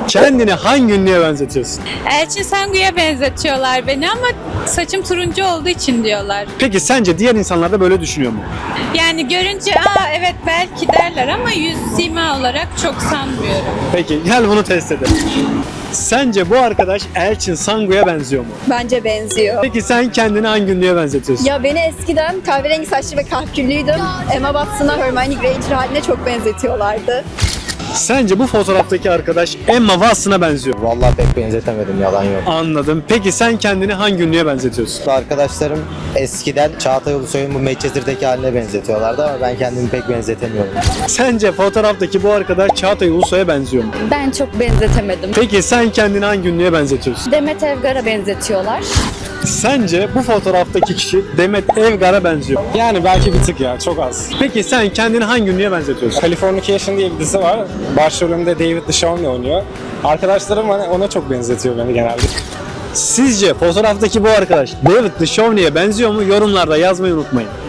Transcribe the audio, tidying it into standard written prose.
Kendini hangi ünlüye benzetiyorsun? Elçin Sangu'ya benzetiyorlar beni ama saçım turuncu olduğu için diyorlar. Peki sence diğer insanlar da böyle düşünüyor mu? Yani görünce evet belki derler ama yüz sima olarak çok sanmıyorum. Peki gel bunu test edelim. Sence bu arkadaş Elçin Sangu'ya benziyor mu? Bence benziyor. Peki sen kendini hangi ünlüye benzetiyorsun? Ya beni eskiden kahverengi saçlı ve kahküllüydüm. Emma Watson'a Hermione Granger haline çok benzetiyorlardı. Sence bu fotoğraftaki arkadaş Emma Watson'a benziyor mu? Vallahi pek benzetemedim, yalan yok. Anladım. Peki sen kendini hangi ünlüye benzetiyorsun? Arkadaşlarım eskiden Çağatay Ulusoy'un bu Manchester'daki haline benzetiyorlardı ama ben kendimi pek benzetemiyorum. Sence fotoğraftaki bu arkadaş Çağatay Ulusoy'a benziyor mu? Ben çok benzetemedim. Peki sen kendini hangi ünlüye benzetiyorsun? Demet Evgar'a benzetiyorlar. Sence bu fotoğraftaki kişi Demet Evgar'a benziyor mu? Yani belki bir tık ya, çok az. Peki sen kendini hangi ünlüye benzetiyorsun? Californication diye bir dizi var. Başrolünde David Duchovny oynuyor. Arkadaşlarım ona çok benzetiyor beni genelde. Sizce fotoğraftaki bu arkadaş David Duchovny'ye benziyor mu? Yorumlarda yazmayı unutmayın.